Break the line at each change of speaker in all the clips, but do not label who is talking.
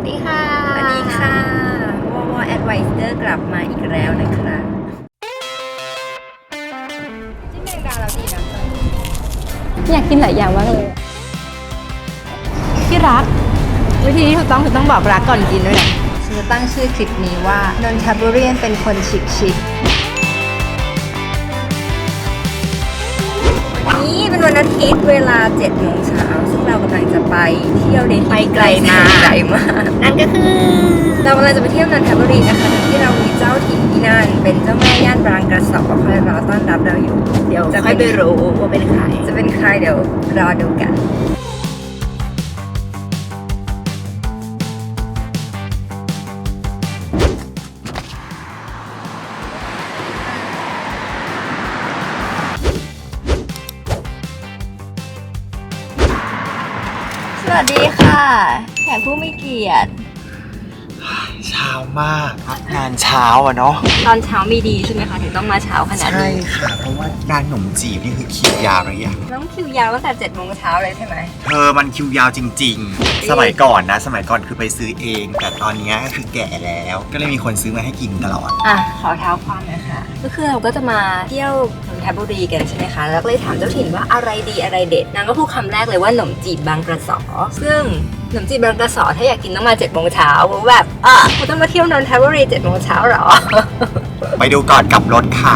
วัสดีค่ะ
สวัสดีค่ะวอ Advisor กลับมาอีกแล้วนะคะจิ้มแมงดาเราดีนะ
อยากกินหลายอย่างมากเลยที่รักวิธีที่ถูกต้องคือต้องบอกรักก่อนกินด้วยนะฉันจะตั้งชื่อคลิปนี้ว่านนทบุรีเป็นคนชิค
นี่เป็นวันอาทิตย์เวลา 7 โมงเช้าซึ่งเรากำลังจะไปเที่ยวในที่ไกลมาก
นั่นก็คือ
เรากำลังจะไปเที่ยวนนทบุรีนะคะโดยที่เรามีเจ้าถิ่นที่นั่นเป็นเจ้าแม่ย่านบางกระสอบคอยรอต้อนรับเราอยู่เดี๋ยว
จะค่อยไปรู้ว่าเป็นใคร
จะเป็นใครเดี๋ยวรอดูกันสวัสดีค่ะแขกผู้มีเกียรติ
เช้ามากงานเช้าอะเนาะ
ตอนเช้ามีดีใช่ไหมคะถึงต้องมาเช้าขนาดนี้
ใช่ค่ะเพราะว่าร้านขนมจีบนี่คือคิวยาวเลยอะ
ต้องคิวยาวตั้งแต่7 โมงเช้าเลยใช่ไหม
เธอมันคิวยาวจริงๆสมัยก่อนคือไปซื้อเองแต่ตอนนี้ก็คือแก่แล้วก็เลยมีคนซื้อมาให้กินตลอด
ขอเท้าความหน่อยค่ะก็คือเราก็จะมาเที่ยวนนทบุรีกันใช่ไหมคะแล้วก็เลยถามเจ้าถิ่นว่าอะไรดีอะไรเด็ดนางก็พูดคำแรกเลยว่าขนมจีบบางกระสอซึ่งขนมจีบบางกระสอถ้าอยากกินต้องมา7 โมงเช้าแบบคุณต้องมาเที่ยวนนทบุรี7 โมงเช้าหรอ
ไปดูก่อนกลับรถค่ะ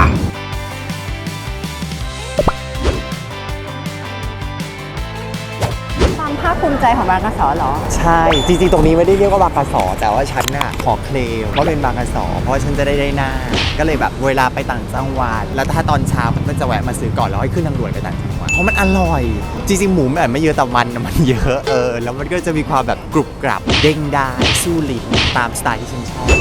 ความภาคภูมิใจของบางกระสอหรอ
ใช่จริงๆตรงนี้ไม่ได้เรียกว่าบางกระสอแต่ว่าฉันน่ะขอเคลมว่าเป็นบางกระสอเพราะฉันจะได้หน้าก็เลยแบบเวลาไปต่างจังหวัดแล้วถ้าตอนเช้าก็จะแวะมาซื้อก่อนแล้วให้ขึ้นทางด่วนไปต่างจังหวัดเพราะมันอร่อยจริงๆหมูแบบไม่เยอะแต่มันเยอะแล้วมันก็จะมีความแบบกรุบกรับเด้งได้สู้ลิ้นตามสไตล์ที่ฉันชอบ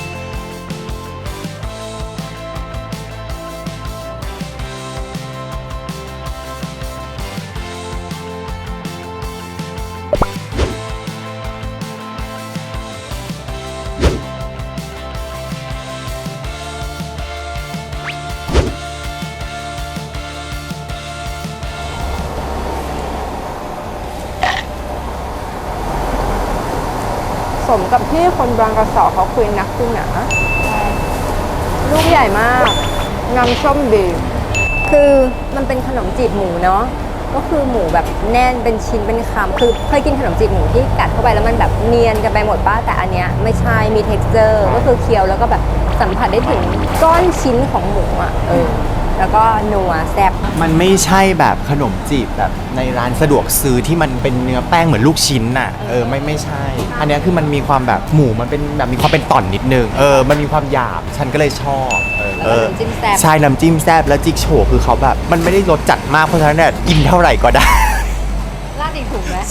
สมกับที่คนบางกระสอเขาคุยนักคุยหนาลูกใหญ่มากน้ำส้มดีคือมันเป็นขนมจีบหมูเนาะก็คือหมูแบบแน่นเป็นชิ้นเป็นคำคือเคยกินขนมจีบหมูที่กัดเข้าไปแล้วมันแบบเนียนกันไปหมดป้าแต่อันเนี้ยไม่ใช่มี texture ก็คือเคี้ยวแล้วก็แบบสัมผัสได้ถึงก้อนชิ้นของหมูแล้วก็นัวแซ่บ
มันไม่ใช่แบบขนมจีบแบบในร้านสะดวกซื้อที่มันเป็นเนื้อแป้งเหมือนลูกชิ้นน่ะไม่ใช่อันนี้คือมันมีความแบบหมูมันเป็นแบบมีความเป็นต่อนนิดนึงมันมีความหยาบฉันก็เลยชอบ
แล้วน้ำจิ้มแซ่บ
ใช่น้ำจิ้มแซ่บแล้วจิ๊กโฉคือเขาแบบมันไม่ได้รสจัดมากเพราะฉะนั้นเนี่ยกินเท่าไหร่ก็ได้
ราดอีกถุงไหม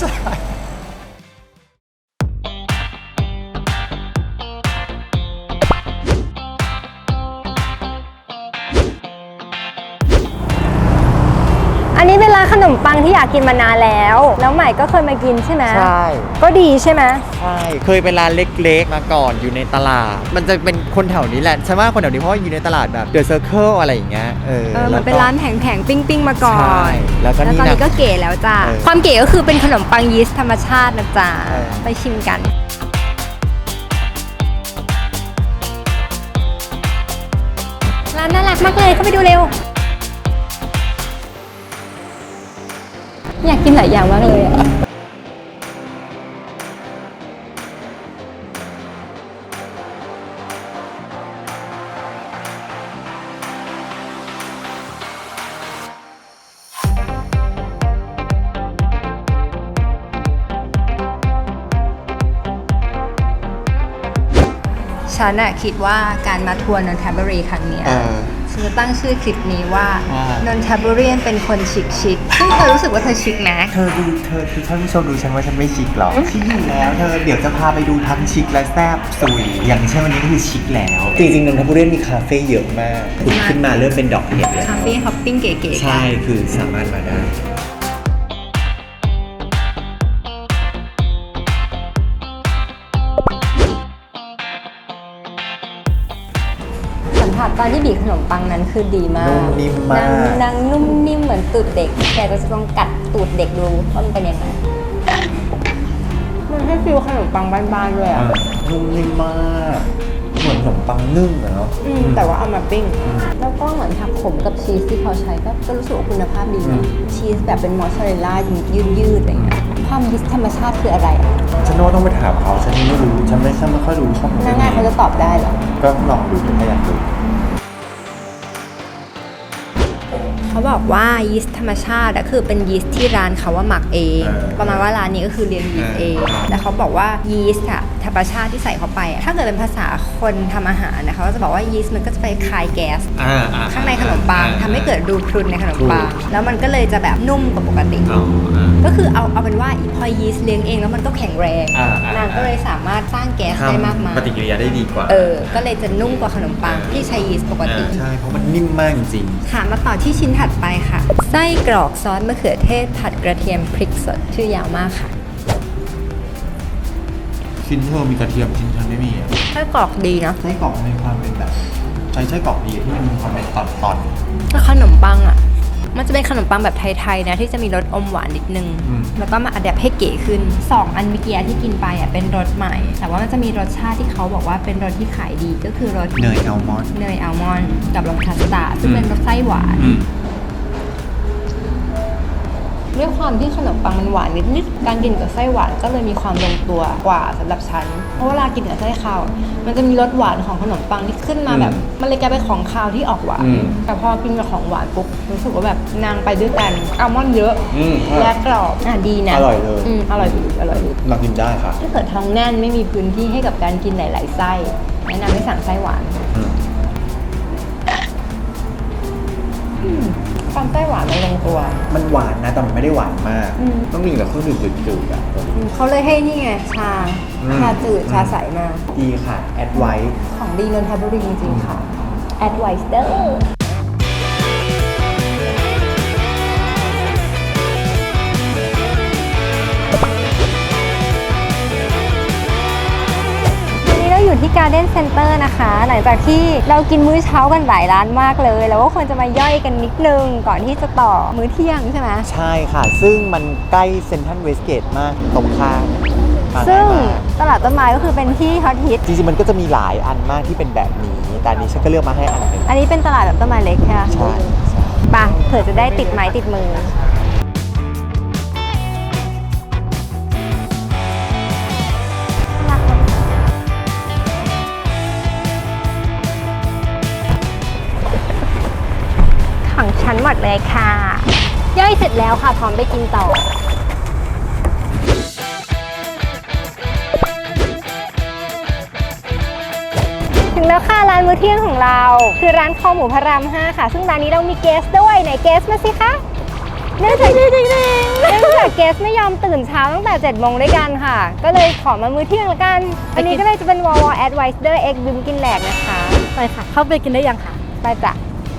อันนี้เป็นร้านขนมปังที่อยากกินมานานแล้วใหม่ก็เคยมากินใช่ไหม
ใช่
ก็ดีใช่ไหม
ใช่เคยเป็นร้านเล็กๆมาก่อนอยู่ในตลาดมันจะเป็นคนแถวนี้แหละฉันว่าคนแถวนี้เพราะอยู่ในตลาดแบบเดอะเซอร์เคิลอะไรอย่างเงี้ย
มันเป็นร้านแผงๆปิ้งๆมาก่อน
แล้วตอน
นี้ก็เก๋แล้วจ้าความเก๋ก็คือเป็นขนมปังยีสต์ธรรมชาตินะจ๊ะไปชิมกันร้านน่ารักมากเลยเข้าไปดูเร็วอยากกินหลายอย่างมากเลยฉันคิดว่าการมาทัวร์นนทบุรีครั้งนี้ฉันจะตั้งชื่อคลิปนี้ว่านนทบุรีเป็นคนชิคซึ่งเธอรู้สึกว่าเธอชิคไหม
เธอคือท่านผู้ชมดูฉันว่าฉันไม่ชิคหรอกชิคอยู่แล้วเธอเดี๋ยวจะพาไปดูทั้งชิคและแซ่บสุยอย่างเช่นวันนี้ก็คือชิคแล้วจริงๆนนทบุรีมีคาเฟ่เยอะมากขุดขึ้นมาเริ่มเป็นดอกเห็ดแล้ว
คาเฟ่ฮอปปิ้งเก๋
ๆใช่คือสามารถมาได้
ตอนที่บีบขนมปังนั้นคือดีมาก
นุ่มนิ่มมาก
นางนุ่มนิ่มเหมือนตูดเด็กแต่ก็จะต้องกัดตูดเด็กดูว่ามันเป็นยังไงนนทให้ฟีลขนมปังบ้านๆด้วยอ่ะ
นุ่มนิ่มมากเหมือนขนมปังนึ่งอะเนาะ
แต่ว่าเอามาปิ้ง แล้วก็เหมือนผักขมกับชีสที่เขาใช้ก็รู้สึกว่าคุณภาพดีนะชีสแบบเป็นมอสซาเรลล่ายืดๆอะไรเงี้ยความยิสต์ธรรมชาติคืออะไรอ่ะ
ฉันว่าต้องไปถามเขาฉันไม่รู้ฉันไม่ค่อยรู้ข้อมูล
ง่ายๆเขาจะตอบได้เหรอ
ก็ลองดูถ้าอยากรู้
เขาบอกว่ายีสต์ธรรมชาติอะคือเป็นยีสต์ที่ร้านเขาว่าหมักเอง ประมาณว่าร้านนี้ก็คือเรียนยีสต์เองแต่เขาบอกว่ายีสต์อะธรรมชาติที่ใส่เข้าไปอะถ้าเกิดเป็นภาษาคนทำอาหารนะเขาก็จะบอกว่ายีสต์มันก็จะไปคายแก๊สข้างในขนมปังทำให้เกิดรูพรุนในขนมปังแล้วมันก็เลยจะแบบนุ่มกว่าปกติ ก็คือเอาเป็นว่าพอยีสต์เลี้ยงเองแล้วมันก็แข็งแรงนางก็เลยสามารถสร้างแก๊สได้มากมาย
ปฏิกิริยาได้ดีกว่า
ก็เลยจะนุ่มกว่าขนมปังที่ใช้ยีสต์ปกติ
ใช่เพราะมันนิ่มมากจริง
ค่ะมาต่อที่ชิ้นถัดไปค่ะ ไส้กรอกซอสมะเขือเทศผัดกระเทียมพริกสดชื่อยาวมากค่ะ
ชิ้นเธอมีกระเทียมชิ้นฉันไม่มีอะ
ไส้กรอกดีนะ
ไส้กรอกมีความเป็นแบบใช้ไส้กรอกดีที่มันมีความเป็นตอน
แล้วขนมปังอ่ะ มันจะเป็นขนมปังแบบไทยๆนะที่จะมีรสอมหวานนิดนึง แล้วก็มาอัดแอปให้เก๋ขึ้น 2 อันเมื่อกี้ที่กินไปอ่ะเป็นรสใหม่ แต่ว่ามันจะมีรสชาติที่เขาบอกว่าเป็นรสที่ขายดีก็คือรส
ๆเนยอัลมอนด์
เนยอัลมอนด์กับรสคัสตาร์ดซึ่งเป็นรสไส้หวาน ด้วยความที่ขนมปังมันหวานนิดๆการกินกับไส้หวานก็เลยมีความลงตัวกว่าสำหรับฉัน เพราะเวลากินกับไส้ข้าวมันจะมีรสหวานของขนมปังที่ขึ้นมาแบบ มันเลยกลายเป็นของคาวที่ออกหวาน แต่พอกินกับของหวานปุ๊บรู้สึกว่าแบบนางไปด้วยกันอัลมอนด์เยอะและกรอบดีนะ
อร่อยเลย
อร่อยดีอร่อยดี
มากินได้ค่ะ
ถ้าเกิดท้องแน่นไม่มีพื้นที่ให้กับการกินหลายๆไส้แนะนำให้สั่งไส้หวานความไส้หวานมันลงตัว
มันหวานนะแต่มันไม่ได้หวานมาก ต้องกินกับเครื่องดื่มจืดๆอ่ะ
เขาเลยให้นี่ไงชาจืดชาใสมา
ดีค่ะ แอดไว้
ของดีนนทบุรีจริงๆค่ะ Advice เด้อวันนี้เราอยู่ที่ Garden Center นะคะ หลังจากที่เรากินมื้อเช้ากันหลายร้านมากเลย แล้วก็ควรจะมาย่อยกันนิดนึงก่อนที่จะต่อมื้อเที่ยงใช่ไหม
ใช่ค่ะ ซึ่งมันใกล้เซ็นทรัลเวสเกตมากตรงข้ามมา
ซึ่ง
ง่ายมาก
ตลาดต้นไม้ก็คือเป็นที่ฮอตฮิต
จริงๆมันก็จะมีหลายอันมากที่เป็นแบบนี้ แต่อันนี้ฉันก็เลือกมาให้อันหนึ่ง
อันนี้เป็นตลาดแบบต้นไม้เล็กใช่ไหม
ใช่
ไปเผื่อจะได้ติดไม้ติดมือ ของฉันหมดเลยค่ะ ย่อยเสร็จแล้วค่ะ พร้อมไปกินต่อ ถึงแล้วค่ะร้านมื้อเที่ยงของเรา คือร้านคอหมูพระราม 5 ค่ะ ซึ่งร้านนี้เรามีเกสด้วยไหนเกสมาสิคะเนื่องจากเกสไม่ยอมตื่นเช้าตั้งแต่ 7 โมงด้วยกันค่ะ ก็เลยขอมามื้อเที่ยงละกัน อันนี้ก็เลยจะเป็นวอลแอดไวเดอร์เอ็กบิมกินแหลกนะคะ
ไปค่ะ เข้าไปกินได้ยังค่ะ
ไปจ้ะ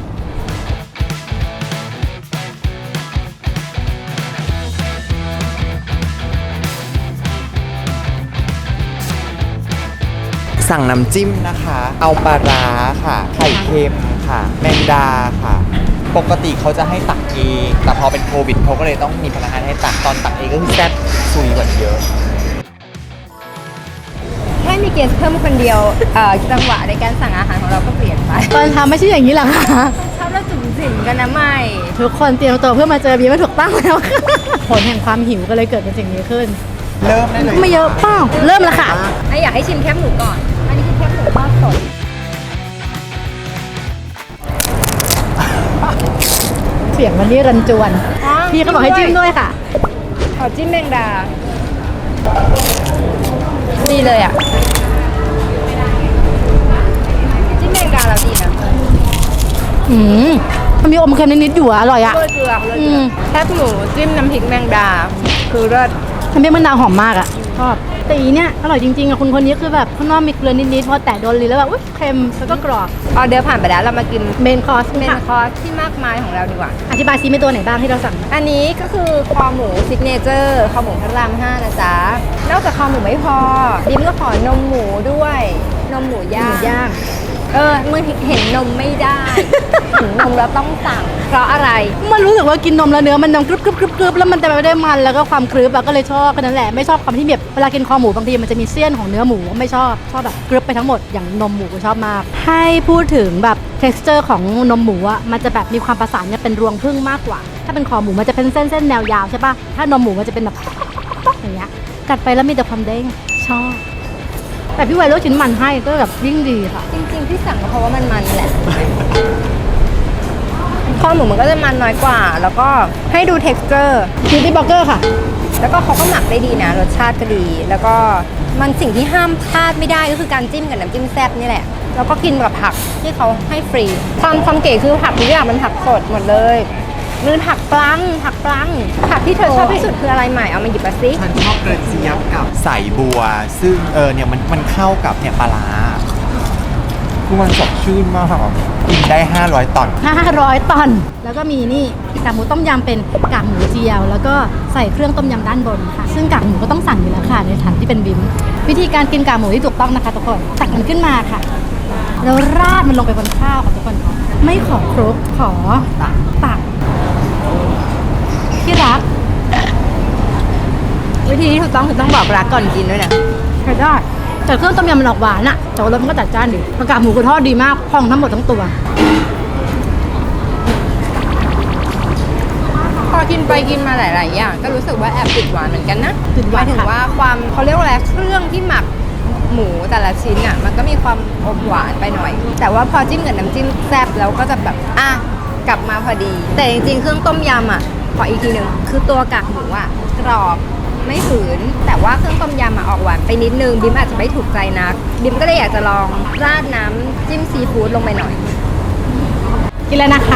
สั่งน้ำจิ้มนะคะ เอาปลาร้าค่ะ ไข่เค็มค่ะ แมงดาค่ะ ปกติเขาจะให้ตักเอง แต่พอเป็นโควิดเขาก็เลยต้องมีพนักงานให้ตัก ตอนตักเองก็คือแซ่บซุยกว่าเยอะ
แค่มีเกสเพิ่มคนเดียวจังหวะในการสั่งอาหารของเราก็เปลี่ยนไป
ตอนทำไม่ใช่อย่างนี้หรอคะ
ชอบเราจุ่มจิ่มกันนะไม่
ทุกคนเตรียมตัวเพื่อมาเจอบีไม่ถูกต้องแล้วค่ะ ผลแห่งความหิวก็เลยเกิดเป็นสิ่งนี้ขึ้น
เริ่มได้เลย
ไม่เยอะเป้าเริ่มแล้วค่ะ
อยากให้ชิมแคบหมูก่อน อันนี้คือแคบหมูทอดสด
เสียงมันนี่รันจวน
อ๋อ
พี่เขาบอกให้จิ้มด้วยค่ะ
ขอจิ้มแมงดา ดีเลยอ่ะ จิ้มแมงดาแล้วดีนะ
มันมีอมเค็มนิดๆอยู่อะอร่อยอะ
โรยเกลือแคบหมูจิ้มน้ำพริกแมงดา คือเลิศ
มันเป็นมะนาวหอมมากอะชอบแต่อีเนี่ยอร่อยจริงๆอะคุณคนนี้คือแบบข้างนอกมีเกลือนิดๆพอแตะโดนลิ้นแล้วแบบอุ๊ยเค็มแล้วก็กรอบ
ออเดอร์ผ่านไปแล้วเรามากิน
เมนคอร์ส
เมน
ค่ะ
คอร์สที่มากมายของเราดีกว่า
อธิบายซิมีตัวไหนบ้างที่เราสั่ง
อันนี้ก็คือคอหมูซิกเนเจอร์คอหมูพระราม 5 นะจ๊ะ นอกจากคอหมูไม่พอดิมก็ขอนมหมูด้วย นมหมูย่างมึงเห็นนมไม่ได้ เห็นนมแล้วต้องสั่ง เพราะอะไร
มันรู้สึกว่ากินนมแล้วเนื้อมันนมกรึบแล้วมันจะไม่ได้มันแล้วก็ความกรึบอะก็เลยชอบแค่นั้นแหละไม่ชอบความที่แบบเวลากินคอหมูบางทีมันจะมีเสี้ยนของเนื้อหมูไม่ชอบแบบกรึบไปทั้งหมดอย่างนมหมูก็ชอบมากให้พูดถึงแบบ texture ของนมหมูอะมันจะแบบมีความประสานเนี่ยเป็นรวงผึ้งมากกว่า ถ้าเป็นคอหมูมันจะเป็นเส้นแนวยาวใช่ปะถ้านมหมูมันจะเป็นแบบอย่างเงี้ยกัดไปแล้วมีแต่ความเด้งชอบแต่พี่ไวเลือกชิ้นมันให้ก็แบบยิ่งดีค่ะ
จริงๆที่สั่งก็เพราะว่ามันแหละ คอหมูมันก็จะมันน้อยกว่า แล้วก็ให้ดู texture
คิวตี้บ็อกเกอร์ค่ะ
แล้วก็เขาก็หมักได้ดีนะ รสชาติก็ดี แล้วก็มันสิ่งที่ห้ามพลาดไม่ได้ก็คือการจิ้มกับน้ำจิ้มแซ่บนี่แหละ แล้วก็กินกับผักที่เขาให้ฟรี ความเก๋คือผักทุกอย่างมันผักสดหมดเลยมันผักปลังผักที่เธอชอบที่สุดคืออะไรใหม่เอามาหยิบมาสิ
ฉันชอบกระเจี๊ยบกับใส่บัว ซึ่งเนี่ยมันเข้ากับเนี่ยปลาร้าคือมันสดชื่นมากกินได้ 500 ตอน
500 ตัน แล้วก็มีนี่กากหมูต้มยำเป็นกากหมูเจียว แล้วก็ใส่เครื่องต้มยำด้านบนค่ะ ซึ่งกากหมูก็ต้องสั่งอยู่แล้วค่ะในฐานที่เป็นบิมวิธีการกินกากหมูที่ถูกต้องนะคะทุกคนตักมันขึ้นมาค่ะ แล้วราดมันลงไปบนข้าวค่ะทุกคนค่ะไม่ขอครกขอตักที่รัก
วิธีที่ถูกต้องคือต้องบอกรักก่อนกินด้วยนะ
ใช้ได้แต่เครื่องต้มยำมันออกหวานอะแต่ว่ารสมันก็จัดจ้านดีกากหมูคือทอดดีมากพองทั้งหมดทั้งตัว
พอกินไปกินมาหลาย ๆ อย่างก็รู้สึกว่าแอบติดหวานเหมือนกันนะ
ติดหวาน
หมายถึง
ค่ะ
ว่าความเขาเรียกว่าอะไรเครื่องที่หมักหมูแต่ละชิ้นอ่ะมันก็มีความอมหวานไปหน่อย แต่ว่าพอจิ้มกับน้ำจิ้มแซ่บแล้วก็จะแบบกลับมาพอดี แต่จริง ๆ เครื่องต้มยำอ่ะขออีกทีหนึ่งคือตัวกากหมูอ่ะกรอบไม่หืนแต่ว่าเครื่องต้มยำอ่ะออกหวานไปนิดนึงบิมอาจจะไม่ถูกใจนักบิมก็เลยอยากจะลองราดน้ำจิ้มซีฟู้ดลงไปหน่อย
กินแล้วนะคะ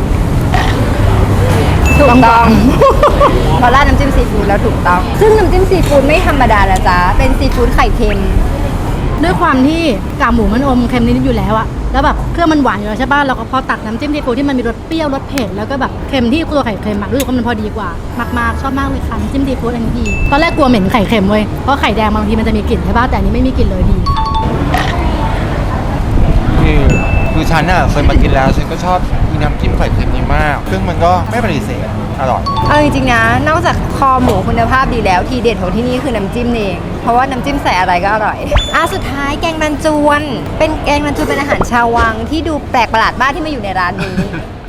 ถูกต้อง พอราดน้ำจิ้มซีฟู้ดแล้วถูกต้อง ซึ่งน้ำจิ้มซีฟู้ดไม่ธรรมดานะจ๊ะ เป็นซีฟู้ดไข่เค็ม
ด้วยความที่กากหมูมันอมเค็มนิดๆอยู่แล้วอะแล้วแบบเครื่องมันหวานอยู่แล้วใช่ป่ะเราก็พอตักน้ำจิ้มซีฟู้ดที่มันมีรสเปรี้ยวรสเผ็ดแล้วก็แบบเค็มที่ตัวไข่เค็มอะรู้สึกว่ามันพอดีกว่ามากๆชอบมากเลยค่ะน้ำจิ้มซีฟู้ดอันนี้ดีตอนแรกกลัวเหม็นไข่เค็มเว้ยเพราะไข่แดงบางทีมันจะมีกลิ่นใช่ป่ะแต่อันนี้ไม่มีกลิ่นเลยดีค่ะ
คือฉันอ่ะเคยมากินแล้วฉันก็ชอบมีน้ำจิ้มไข่เค็มนี้มาก ซึ่งมันก็ไม่ปฏิเสธอร่อย
เอาจริงๆนะ นอกจากคอหมูคุณภาพดีแล้ว ทีเด็ดของที่นี่คือน้ำจิ้มเอง เพราะว่าน้ำจิ้มใส่อะไรก็อร่อย สุดท้ายแกงรันจวน เป็นแกงรันจวนเป็นอาหารชาววังที่ดูแปลกประหลาดมากที่มาอยู่ในร้านนี้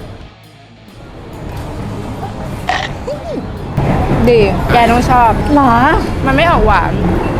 ดี แกต้องชอบ
หรอ
มันไม่ออกหวาน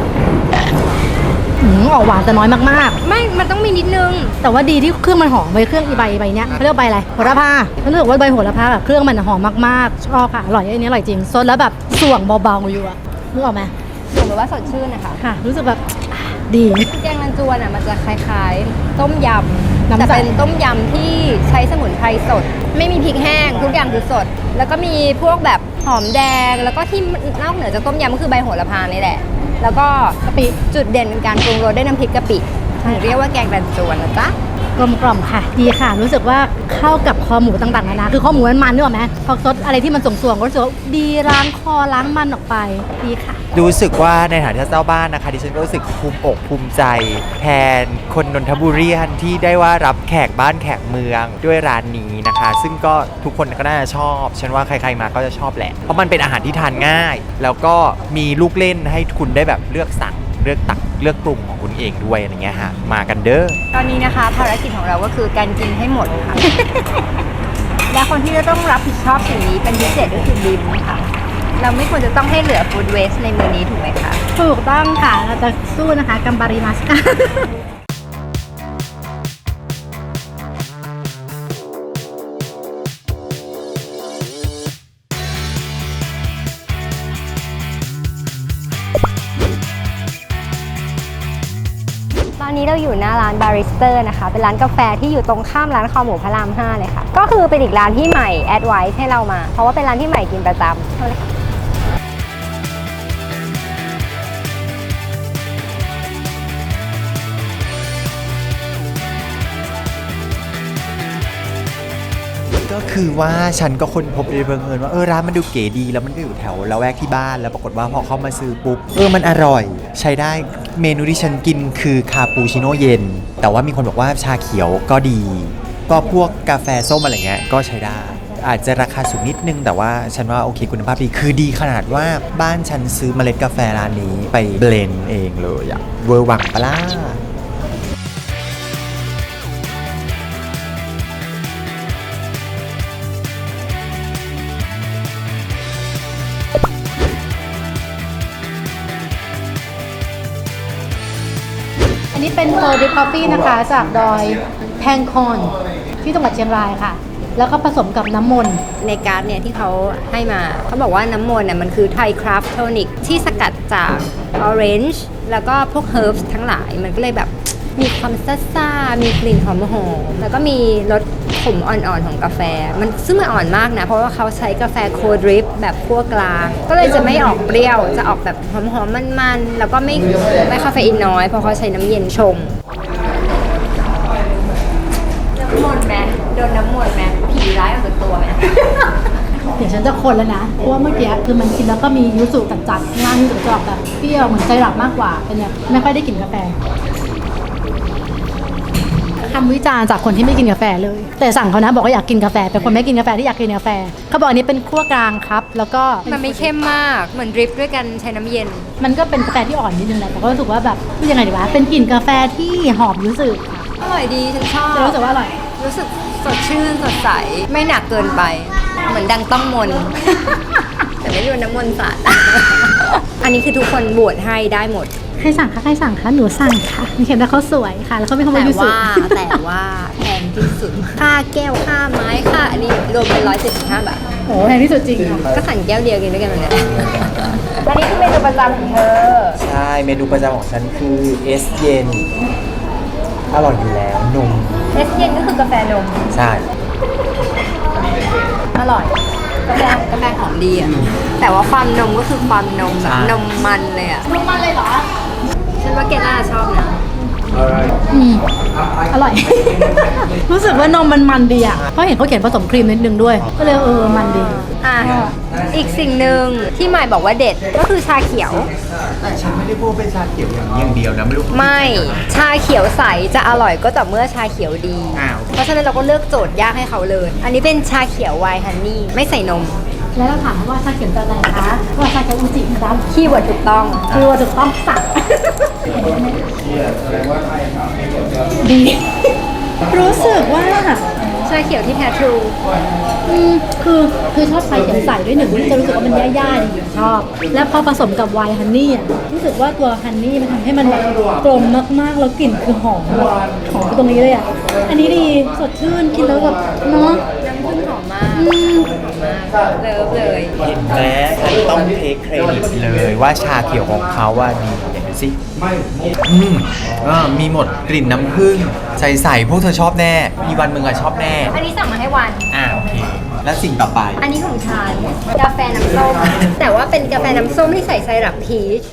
ออกหวานแต่น้อยมาก
ไม่ มันต้องมีนิดนึง
ๆแต่ว่าดีที่เครื่องมันหอมใบเครื่องอีใบเนี้ยเขาเรียกว่าใบอะไรโหระพารู้สึกว่าใบโหระพาแบบเครื่องมันหอมมากๆชอบค่ะอร่อยอันนี้อร่อยจริงซดแล้วแบบส่วงเบาๆอยู่อะนึกออกไหม
ผมแบบว่าสดชื่นนะคะ
ค่ะ รู้สึกแบบดี
แกงรันจวนอ่ะมันจะคล้ายๆ ต้มยำ
น้ำใส
แต่เป็นต้มยำที่ใช้สมุนไพรสด ไม่มีพริกแห้งทุกอย่างคือสด แล้วก็มีพวกแบบหอมแดง แล้วก็ที่นอกเหนือจากต้มยำก็คือใบโหระพานี่แหละ แล้วก็
กะปิ
จุดเด่นเป็นการปรุงรสด้วยน้ำพริกกะปิถึงเรียกว่าแกงรันจวนนะจ๊ะ
กลมกล่อมค่ะ ดีค่ะ รู้สึกว่าเข้ากับคอหมูต่างๆนานาคือคอหมูมันๆนึกออกไหมพอซดอะไรที่มันส่วงๆก็รู้สึกว่าดีล้างคอล้างมันออกไปดีค่ะ
รู้สึกว่าในฐานะเจ้าบ้านนะคะดิฉันก็รู้สึกภูมิอกภูมิใจแทนคนนนทบุรีที่ได้ว่ารับแขกบ้านแขกเมืองด้วยร้านนี้นะคะ ซึ่งก็ทุกคนก็น่าจะชอบฉันว่าใครๆมาก็จะชอบแหละเพราะมันเป็นอาหารที่ทานง่าย แล้วก็มีลูกเล่นให้คุณได้แบบเลือกสั่งเลือกตักเลือกปรุงของคุณเองด้วยอะไรเงี้ยฮะมากันเด้อ
ตอนนี้นะคะภารกิจของเราก็คือการกินให้หมดค่ะ และคนที่จะต้องรับผิดชอบสิ่งนี้เป็นพิเศษก็คือบิมค่ะ เราไม่ควรจะต้องให้เหลือฟู้ดเวสในมื้อนี้ถูกไหมคะ
ถูกต้องค่ะ เราจะสู้นะคะกัมบาริมัสค่ะ
ตอนนี้เราอยู่หน้าร้านบาริสเตอร์นะคะ เป็นร้านกาแฟที่อยู่ตรงข้ามร้านคอหมูพระราม 5 เลยค่ะ ก็คือเป็นอีกร้านที่ใหม่แอดไว้ให้เรามา เพราะว่าเป็นร้านที่ใหม่กินประจำเอาเลยค่ะ
ก็คือว่าฉันก็คนพบโดยบังเอิญว่าร้านมันดูเก๋ดีแล้วมันก็อยู่แถวละแวกที่บ้านแล้วปรากฏว่าพอเข้ามาซื้อปุ๊บมันอร่อยใช้ได้เมนูที่ฉันกินคือคาปูชิโน่เย็นแต่ว่ามีคนบอกว่าชาเขียวก็ดีก็พวกกาแฟส้มอะไรเงี้ยก็ใช้ได้อาจจะราคาสูงนิดนึงแต่ว่าฉันว่าโอเคคุณภาพดีคือดีขนาดว่าบ้านฉันซื้อเมล็ดกาแฟร้านนี้ไปเบลนด์เองเลยอะเวอร์วังปะล่ะ
อันนี้เป็นโคดิฟคอฟฟี่นะคะจากดอยแพงคอนที่จังหวัดเชียงรายค่ะ แล้วก็ผสมกับน้ำมนต์
ในการ์ดเนี่ยที่เขาให้มาเขาบอกว่าน้ำมนต์เนี่ยมันคือไทยคราฟต์โทนิกที่สกัดจากออเรนจ์แล้วก็พวกเฮิร์บทั้งหลายมันก็เลยแบบมีความซ่าๆมีกลิ่นหอมๆแล้วก็มีรสขมอ่อนๆของกาแฟมันซึ่งมันอ่อนมากนะเพราะว่าเขาใช้กาแฟโคดริปแบบคั่วกลางก็เลยจะไม่ออกเปรี้ยวจะออกแบบหอมๆมันๆแล้วก็ไม่คาเฟอีนน้อยเพราะเขาใช้น้ำเย็นชงน้ำมนต์ไหมโดนน้ำมนต์ไหมผีร้ายออกจากตัวไหม
เดี๋ยวฉันจะคนแล้วนะ เพราะว่าเมื่อกี้คือมันกินแล้วก็มียูสุจัดๆข้างล่างยูสุจะออกแบบเปรี้ยวเหมือนใจหลับมากกว่าเป็นแบบไม่ค่อยได้กินกาแฟคำวิจารณ์จากคนที่ไม่กินกาแฟเลย แต่สั่งเขานะบอกว่าอยากกินกาแฟเป็นคนไม่กินกาแฟที่อยากกินกาแฟเขาบอกอันนี้เป็นคั่วกลางครับแล้วก็
มันไม่เข้มมากเหมือนดริปด้วยกันใช้น้ำเย็น
มันก็เป็นกาแฟที่อ่อนนิดนึงแหละแต่ก็รู้สึกว่าแบบยังไงดีวะเป็นกลิ่นกาแฟที่หอมยูสุค่ะ
อร่อยดีฉันชอบ
จะรู้สึกว่าอร่อย
รู้สึกสดชื่นสดใสไม่หนักเกินไป เหมือนดังต้องมน แต่ไม่โดนน้ำมนต์สาด อันนี้คือทุกคนบวชให้ได้หมด
ใครสั่งคะใครสั่งคะหนูสั่งค่ะมีเขียนว่าเขาสวยค่ะ แล้วเขาไม่ขโมยยูสุ
แต่ว่าแพงที่สุด ค่าแก้วค่าไม้ค่าอันนี้รวมเป็น175 บาท
โอ้แพงที่สุดจริงค่ะ
ก็สั่งแก้วเดียวกินด้วยกันวันเนี้ย อันนี้คือเมนูประจำของเธอ
ใช่เมนูประจำของฉันคือเอสเย็นอร่อยอยู่แล้วนม
เอสเย็นก็คือกาแฟนม
ใช่
อร่อยกาแฟหอมดีอ่ะ แต่ว่าความนมก็คือความนมแบบนมมันเลยอ่ะ
ลงมาเลยเหรอ
ฉันว่าแกน่าจะชอบนะ
อร่อย รู้สึกว่านมมันดีอ่ะ เพราะเห็นเขาเขียนผสมครีมนิดนึงด้วย ก็เลยมันดี
อ่ะอีกสิ่งหนึ่งที่หมายบอกว่าเด็ดก็คือชาเขียว
แต่ฉันไม่ได้พูดเป็นชาเขียวอย่างเดียวนะไม่รู้
ไม่ชาเขียวใสจะอร่อยก็ต่อเมื่อชาเขียวดี
อ้าว
เพราะฉะนั้นเราก็เลือกโจทย์ยากให้เขาเลย อันนี้เป็นชาเขียวไวน์ฮันนี่ไม่ใส่นม
แล้วเราถามว่าชาเขียวจากไหนคะว่าชาเขียวอูจิครับ
คีย์เวิร์ดถูกต้อง
คือว่าถูกต้องสั่งดี รู้สึกว่า
ชาเขียวที่แท้ทรู
คือชอบชาเขียวใสด้วยหนึ่งที่จะรู้สึกว่ามันย่าๆดีชอบ แล้วพอผสมกับไวน์ฮันนี่อ่ะรู้สึกว่าตัวฮันนี่มันทำให้มันแบบกลมมากๆแล้วกลิ่นคือหอมตรงนี้เลยอ่ะอันนี้ดีสดชื่นกินแล้วแบบเนาะ
น้ำผึ้งหอมมากเลิฟเลย
เห็นไหมฉันต้องเทคเครดิตเลยว่าชาเขียวของเขาว่าดีเห็นดูสิมีหมดกลิ่นน้ำผึ้งใสๆพวกเธอชอบแน่ มีวันมึงอะชอบแน่
อันนี้สั่งมาให้วัน
โอเค แล้วสิ่งต่อไป
อันนี้ของฉันกาแฟน้ำส้ม แต่ว่าเป็นกาแฟน้ำส้มที่ใส่ไซรัปพีช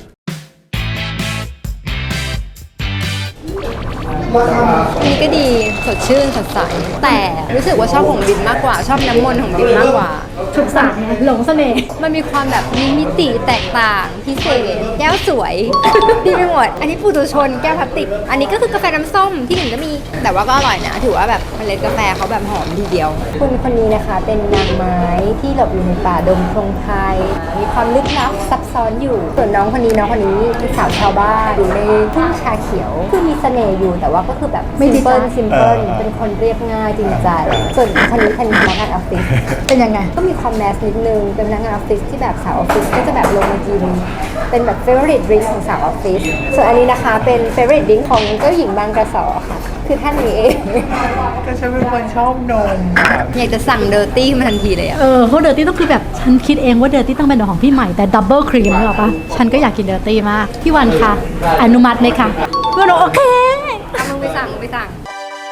อันนี้ก็ดีสดชื่นสดใสแต่รู้สึกว่าชอบของบินมากกว่าชอบน้ำมนต์ของบินมากกว่า
ถูกสั่งเนี่ยหลงเสน่ห์
มันมีความแบบมีมิติแตกต่างพิเศษแก้วสวย ดีไปหมด อันนี้ปุถุชนแก้วพลาสติก อันนี้ก็คือกาแฟน้ำส้มที่หนึ่งก็มี แต่ว่าก็อร่อยนะ ถือว่าแบบเมล็ดกาแฟเขาแบบหอมทีเดียว คุณคนนี้นะคะเป็นนางไม้ที่หลบอยู่ในป่าดงพงไพรมีความลึกลับซับซ้อนอยู่ ส่วนน้องคนนี้เป็นสาวชาวบ้านอยู่ในทุ่งชาเขียวคือมีเสน่ห์อยู่แต่ว่าก็คือแบบ
ไม่ดีจ้ะ
ซิมเพิลเป็นคนเรียบง่ายจริงใจ ส่วนคนนี้เป็นพนักงานออฟฟิศ
เป็นยังไง
ก็มีความแมสนิดนึง เป็นพนักงานออฟฟิศที่แบบสาวออฟฟิศก็จะแบบลงมากิน เป็นแบบ favorite drink ของสาวออฟฟิศ ส่วนอันนี้นะคะเป็น favorite drink ของเจ้าหญิงบางกระสอค่ะ คือท่านนี้เอง
ก็ฉันเป็นคนชอบนม
อยากจะสั่งเดอร์ตี้มาทันทีเลยอะ
เพราะเดอร์ตี้ต้องคือแบบฉันคิดเองว่าเดอร์ตี้ต้องเป็นของพี่ใหม่แต่ดับเบิลครีมนึกออกปะฉันก็อยากกินเดอร์ตี้มากพี่วันคะอนุมัติไหมคะพี่วันบอกโอเค
เอามึงไปสั่งมึงไปสั่ง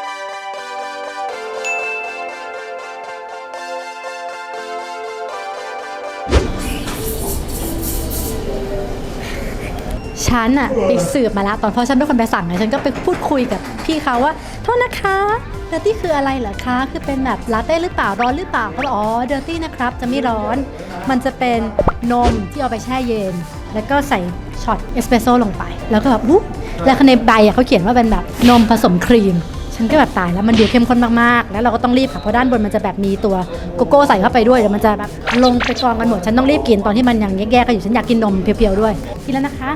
ฉันอะไปสืบมาแล้วตอนพอฉันเป็นคนไปสั่งไงฉันก็ไปพูดคุยกับพี่เขาว่าโทษนะคะเดอร์ตี้คืออะไรเหรอคะ คือเป็นแบบลาเต้หรือเปล่า ร้อนหรือเปล่าก็บอกอ๋อ เดอร์ตี้นะครับ จะไม่ร้อน มันจะเป็นนมที่เอาไปแช่เย็น แล้วก็ใส่ช็อตเอสเปรสโซ่ลงไป แล้วก็แบบอุ๊บแล้วในใบเขาเขียนว่าเป็นแบบนมผสมครีม ฉันก็แบบตายแล้วมันดูเข้มข้นมากๆ แล้วเราก็ต้องรีบค่ะ เพราะด้านบนมันจะแบบมีตัวโกโก้ใส่เข้าไปด้วยเดี๋ยวมันจะแบบลงไปกองกันหมด ฉันต้องรีบกินตอนที่มันยังแยกๆกันอยู่ ฉันอยากกินนมเพียวๆด้วย กินแล้วนะคะ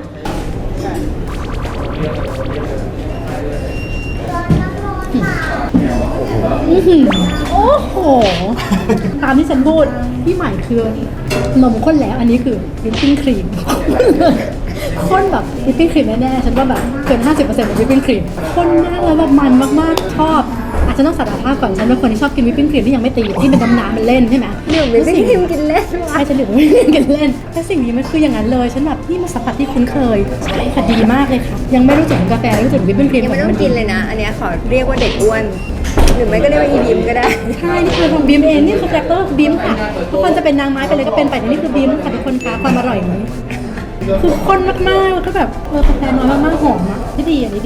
โอ้โห ตามที่ฉันพูดที่ใหม่คือนมข้นแล้วอันนี้คือวิปปิ้งครีม ข้นแบบวิปปิ้งครีมแน่ๆฉันว่าแบบเกิน 50%ของวิปปิ้งครีมข้นมากแล้วแบบมันมากๆชอบอาจจะต้องสารภาพก่อนฉันเป็นคนที่ชอบกินวิปปิ้งครีมที่ยังไม่ตีที่เป็นน้ำมันเล่นใช่ไหม
หนึ่งวิปปิ้งครีมกินเล่น
ใช่ฉันดื่มวิปปิ้งครีมกินเล่นแต่สิ่งนี้มันคืออย่างนั้นเลยฉันแบบนี่มาสัมผัสที่คุ้นเคยใช่ค่ะดีมากเลยค่ะยังไม่รู้จักถึงกาแฟรู้จักถึงวิปปิ้งครีม
ยังไม่ต้องกินเลยนะ อันเนี้ยขอเรียกว่าเด็กอ้วน หรือไม่ก็เรียกว่าอีบิมก็ได้
ใช่นี่คือของบีมเองนี่คือคาแรคเตอร์ของบีมค่ะทุกคนจะเป็นนางไม้ไปเลยก็เป็นไปแต่นี่คือบีมค่ะทุกคนคะความอร่อยอย่างนี้คือข้นมากๆแล้วก็แบบกาแฟน้อยมากๆหอมอ่ะนี่ดีอันนี้ดี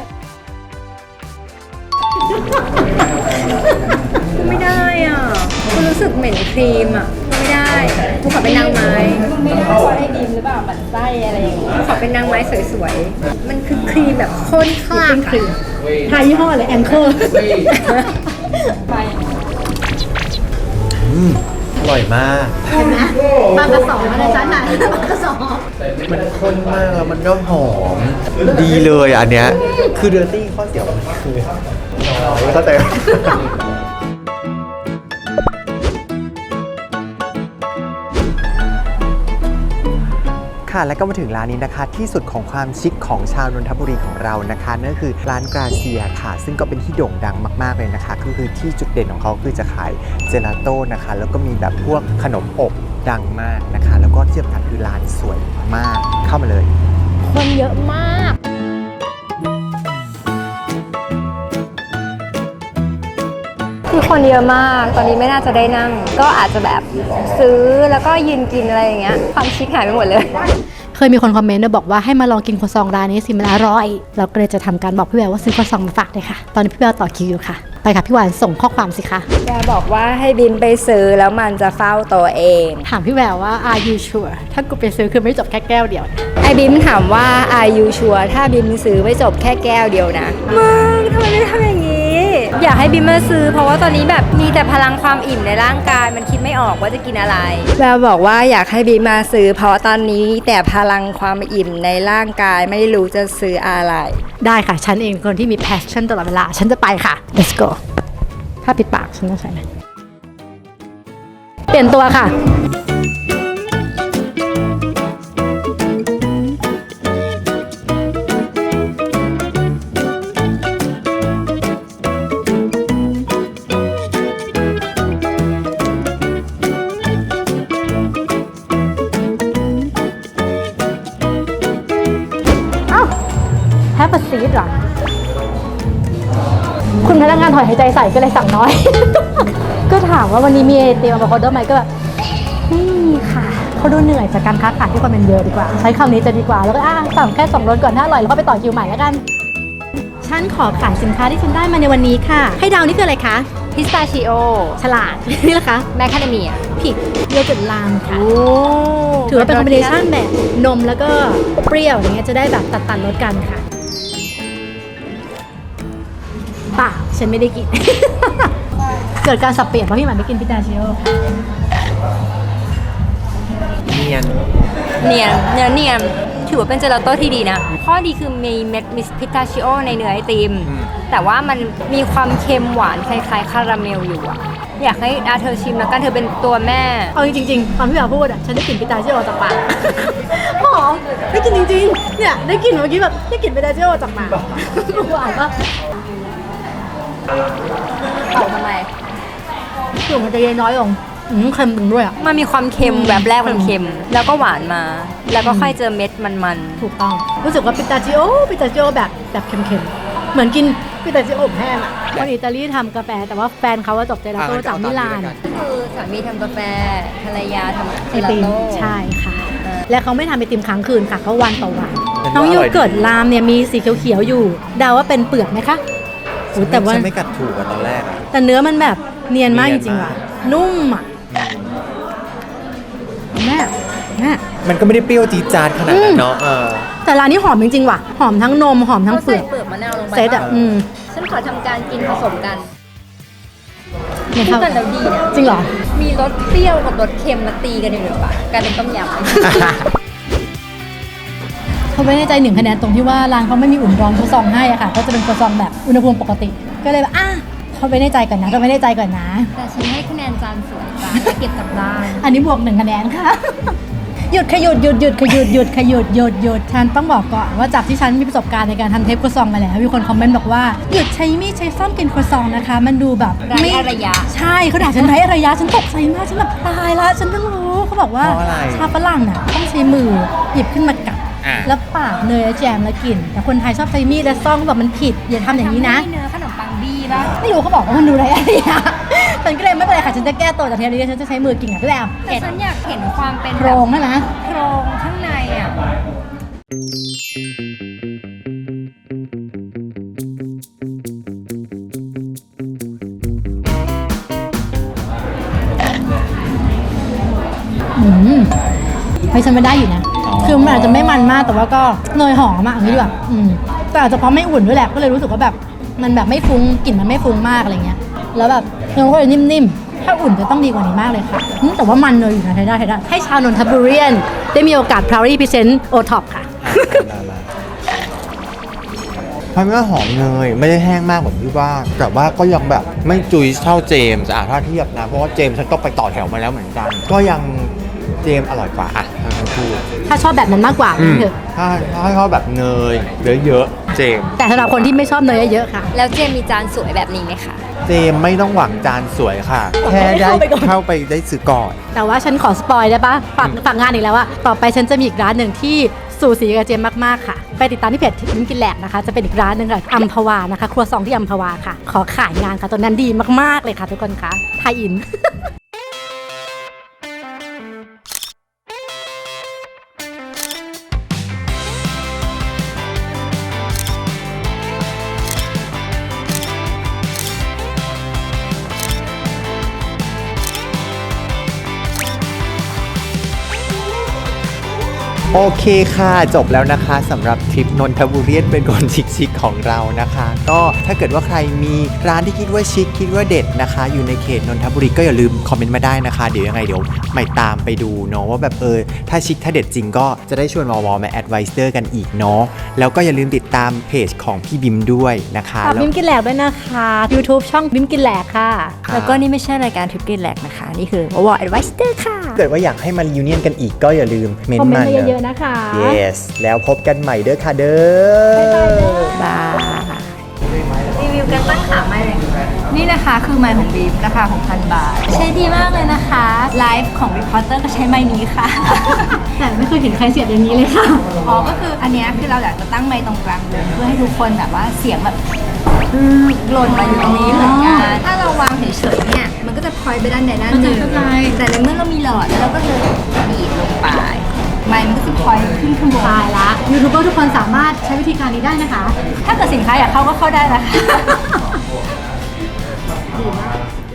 ไม่ได้อ่ะกูรู้สึกเหม็นครีมอ่ะไม่ได้กูขอเป็นนางไม้ไม่ได้ว่าไอ้ดิมหรือเปล่าหมั่นไส้อะไรอย่างเงี้ยขอเป็นนางไม้สวยๆมันคือครีมแบบข้นคลาก
ครีมทายยี่ห้ออะไรแองเกอร์
อร่อยมาก
เห็นไหมบางกระสอบอะไรจ้าไหนบางกระสอบ
มันข้นมากแล้วมันก็หอม ดีเลยอันเนี้ย คือเดอร์ตี้ข้อเสียมันคือน้อยเข้าใจไหม ค่ะและก็มาถึงร้านนี้นะคะที่สุดของความชิคของชาวนนทบุรีของเรานะคะนั่นก็คือร้านกราเซียค่ะ ซึ่งก็เป็นที่โด่งดังมากๆเลยนะคะก็คือที่จุดเด่นของเขาคือจะขายเจลาโต้นะคะแล้วก็มีแบบพวกขนมอบดังมากนะคะแล้วก็ที่สำคัญคือร้านสวยมากเข้ามาเลย
คนเยอะมากคือคนเยอะมากตอนนี้ไม่น่าจะได้นั่ง ก็อาจจะแบบซื้อแล้วก็ยืนกินอะไรอย่างเงี้ยความชิคหายไปหมดเลย
เคยมีคนคอมเมนต์ด้วยบอกว่าให้มาลองกินครัวซองร้านนี้สิมันอร่อยเราก็เลยจะทำการบอกพี่แววว่าซื้อครัวซองมาฝากเลยค่ะตอนนี้พี่แววต่อคิวอยู่ค่ะไปค่ะพี่หวานส่งข้อความสิคะ
แกบอกว่าให้บินไปซื้อแล้วมันจะเฝ้าตัวเอง
ถามพี่แววว่า are you sure ถ้ากูไปซื้อคือไม่จบแค่แก้วเดียวนะ
ไอบิมถามว่า are you sure ถ้าบิมซื้อไม่จบแค่แก้วเดียวนะมึงทำไมไม่ทำอย่างนี้ อยากให้บิมมาซื้อเพราะว่าตอนนี้แบบมีแต่พลังความอิ่มในร่างกายมันคิดไม่ออกว่าจะกินอะไรแล้วบอกว่าอยากให้บิมมาซื้อเพราะตอนนี้แต่พลังความอิ่มในร่างกายไม่รู้จะซื้ออะไร
ได้ค่ะฉันเองคนที่มี passion ตลอดเวลาฉันจะไปค่ะ let's go ถ้าปิดปากฉันต้องใส่นะเปลี่ยนตัวค่ะแฮปปี้ซีดหรอคุณพนักงานถอยหายใจใส่ก็เลยสั่งน้อย ก็ถามว่าวันนี้มีเตรียมอะโวคาโดไหมก็แบบไม่มีค่ะเขาดูเหนื่อยจากการค้าขายที่คนมันเยอะดีกว่าใช้คำนี้จะดีกว่าแล้วก็สั่งแค่2รสก่อนถ้าอร่อยแล้วก็ไปต่อคิวใหม่แล้วกันฉันขอขายสินค้าที่ฉันได้มาในวันนี้ค่ะให้เดานี่คืออะไรคะ
พิสตาชิโอ
ฉลาด นี่แหละคะ
แมคคาเดเมีย
ผิดโยเกิร์ตลามค่ะถือว่าเป็นคอมบิเนชั่นแบบนมแล้วก็เปรี้ยวอย่างเงี้ยจะได้แบบตัดรสกันค่ะเปล่าฉันไม่ได้กิน เกิดการสับเปลี่ยนเพราะพี่หมันไม่กินพิตาชิโอค่ะ
เนียน
เนียนถือว่าเป็นเจลาโต้ที่ดีนะ ข้อดีคือมีเม็ดมิสพิตาชิโอในเนื้อไอติม แต่ว่ามันมีความเค็มหวานคล้ายๆคาราเมลอยู่อะอยากให้เธอชิมแล้วกันเธอเป็นตัวแม่
เอาจริงๆตอนพี่หมาพูดอ่ะฉันได้กลิ่นพิตาชิโอจากปาก หอมได้กลิ่นจริงๆเนี่ยได้กลิ่นเมื่อกี้แบบได้กลิ่นพิตาชิโอจากปากหวานปะ
เป่าทำไม
กลิ่นมันจะเย็นน้อยลงเค็มลงด้วยอ่ะ
มันมีความเค็มแบบแรกมันเค็ม แล้วก็หวานมา แล้วก็ค่อยเจอเม็ดมัน
ถูกต้องรู้สึกว่าพิตาชิโอแบบเค็มๆเหมือนกินพิตาชิโอแห้งอ่ะคนอิตาลีทำกาแฟแต่ว่าแฟนเขาว่าจบเจลาโต้จากมิลาน
ๆคือสามีทำกาแฟภรรยาทำเจ
ไอ
ลา
ติม
โต้
ใช่ค่ะ และเขาไม่ทำไอติมค้างคืนค่ะเขาวันต่อวัน
เป็น
น้อง
ว่าอร่
โย
อยดี
เกิร์ตลามเนี่ยมีสีเขียวๆอยู่เดาว่าเป็นเปลือกไหมคะอุ๊ยแต่ว่า
ฉันไม่กัดถูกอะตอนแรกอะ
แต่เนื้อมันแบบเนียนมาก
เนี
จ
ยน
ริงๆ
มา
ว่ะ
ก
นุ่มอ่ะแม่แม่
มันก็ไม่ได้เปรี้ยวจี๊ดจ๊าดขนาดนั้นเนาะ
แต่ร้านนี้หอมจริงๆว่ะ หอมทั้งนมหอมทั้ง
เขา
เปลื
ใส่
อก
เปลือกมะนาวลงไป
เซตอ่ะ
ฉันขอทำการกินผสมกัน
เนี่ย
คู่
เขา
กันแล้วดีนะ
จริงเหรอ
มีรสเปรี้ยวกับรสเค็มมาตีกันอยู่ในปากกลายเป็นต้มยำ
เขาไม่แน่ใจ1 คะแนนตรงที่ว่าร้านเขาไม่มีอุ่นร้อนครัวซองให้อะค่ะก็จะเป็นครัวซองแบบอุณหภูมิปกติ ก็เลยแบบเขาไม่แน่ใจก่อนนะก็ไม่แน่ใจก่อนนะ
แต่ฉันให้คะแนนจานสวยจ้าเก็บกลับบ้าน
อันนี้บวก1 คะแนนค่ะ หยุดขยุดหยุดหยุดขยุดหยุดขยุดหยุดหยุดฉันต้องบอกก่อนว่าจากที่ฉันมีประสบการณ์ในการทำเทปครัวซองมาแล้วมีคนคอมเมนต์บอกว่าหยุดใช้มีดใช้ซ่อมกินครัวซองนะคะ มันดูแบบ
ไร้อารยะ
ใช่เขาด่าฉันไร้อารยะฉันตกใจมากฉันแบบตายละฉันเพิ่งรู้เขาบอกว่า
เพราะอะไร
ชาวฝรั่งน่ะต้องใช้มือหยิบขึ้นมากัด แล้วปาดเนยและแจมแล้วกิน แต่คนไทยชอบใช้มีดและซ่อมแบบมันผิดอย่าทำอย่างนี้นะ
เนื้อขนมปังบี้ป่ะ
ไม่รู้เขาบอกว่ามันดูไรอะไรอ่ะฉันก็เลยไม่เป็นไรค่ะฉันจะแก้ตัวจากเทปนี้ฉันจะใช้มือกินกับพี่แอม
แต่ฉันอยากเห็นความเป็น
โครงนั่นนะ
โครงข้างในอ่ะ
ให้ฉันไม่ได้อยู่นะ คือมันอาจจะไม่มันมากแต่ว่าก็เนยหอมอะอย่างนี้ดีกว่าแต่อาจจะเพราะไม่อุ่นด้วยแหละก็เลยรู้สึกว่าแบบมันแบบไม่ฟุ้งกลิ่นมันไม่ฟุ้งมากอะไรเงี้ยแล้วแบบเนื้อก็เลยนิ่มๆถ้าอุ่นจะต้องดีกว่านี้มากเลยค่ะแต่ว่ามันเนยอยู่นะใช้ได้ให้ชาวนนทบุรีได้มีโอกาส proudly present O-Top ค่ะ
เพราะว่าหอมเนยไม่ได้แห้งมากเหมือนที่ว่าแต่ว่าก็ยังแบบไม่จุยเท่าเจมส์ถ้าเทียบนะเพราะว่าเจมส์ฉันต้องไปต่อแถวมาแล้วเหมือนกัน ก็ยังเจมส์อร่อยกว่าทั้งคู่
ถ้าชอบแบบนั้นมากกว่าเถอะ
ถ้าชอบแบบเนยเยอะๆเจมส์
แต่สำหรับคนที่ไม่ชอบเนยเยอะๆค่ะ
แล้วเจมมีจานสวยแบบนี้ไหมคะ
เจมส์ไม่ต้องหวังจานสวยค่ะ แค่ได้เข้าไปได้ซื้อก่อน
แต่ว่าฉันขอสปอยได้ปะฝากงานอีกแล้วว่าต่อไปฉันจะมีอีกร้านหนึ่งที่สูสีกับเจมมากๆค่ะ ไปติดตามที่เพจลิ้มกินแหลกนะคะ จะเป็นอีกร้านหนึ่งค่ะอัมพวานะคะ ครัวซองที่อัมพวาค่ะ ขอขายงานค่ะตัวนั้นดีมากๆเลยค่ะทุกคนคะไทยอิน
โอเคค่ะจบแล้วนะคะสำหรับทริปนนทบุรีเป็นคนชิคๆของเรานะคะ ก็ถ้าเกิดว่าใครมีร้านที่คิดว่าชิคคิดว่าเด็ดนะคะ อยู่ในเขตนนทบุรีก็อย่าลืมคอมเมนต์มาได้นะคะ เดี๋ยวยังไงเดี๋ยวใหม่ตามไปดูเนาะว่าแบบถ้าชิคถ้าเด็ดจริงก็จะได้ชวนวอมาแอดไวเซอร์กันอีกเนาะแล้วก็อย่าลืมติดตามเพจของพี่บิมด้วยนะคะ
ฝากบิ้มกินแหลกด้วยนะคะ YouTube ช่องบิ้มกินแหลกค่ะ
แล้วก็นี่ไม่ใช่รายการทริปกินแหลกนะคะ นี่คือวอร์ดแอดไวเซอร์ค่ะ
เกิดว่าอยากให้มันยูเนียนกันอีกก็อย่าลืมเมน
คอม
ต์
เมน
มา
ต์มาเยอะๆนะคะ
yes แล้วพบกันใหม่เด้อค่ะเด้อ
บายรีวิวกันตั้งขาไม่เลยนี่นะคะคือไมค์ของบีมราคา 6,000 บาท ใช้ดีมากเลยนะคะไลฟ์ของรีพอร์เตอร์ก็ใช้ไมค์นี้ค่ะ
แต่ไม่เคยเห็นใครเสียบอย่างนี้เลยค่ะ
อ๋อ ก็คืออันเนี้ยคือเราอยากจะตั้งไมค์ตรงกลางเลยเพื่อให้ทุกคนแบบว่าเสียงแบบหล่นมาอยู่ตรงนี้เหมือนกัน ถ้าเราวางเฉยๆเนี่ย มันก็จะพลอยไปด้านใดด้านหนึ่ง
เข้าใจ
แต่ในเมื่อเรามีหลอดแล้วเราก็เลยบีบลงไป ไมค์มันก็จะพลอยขึ้นข้างบน
ตายละยูทูบเบอร์ทุกคนสามารถใช้วิธีการนี้ได้นะคะ
ถ้าเกิดสินค้าอยากเข้าก็เข้าได้นะคะ
ดีมาก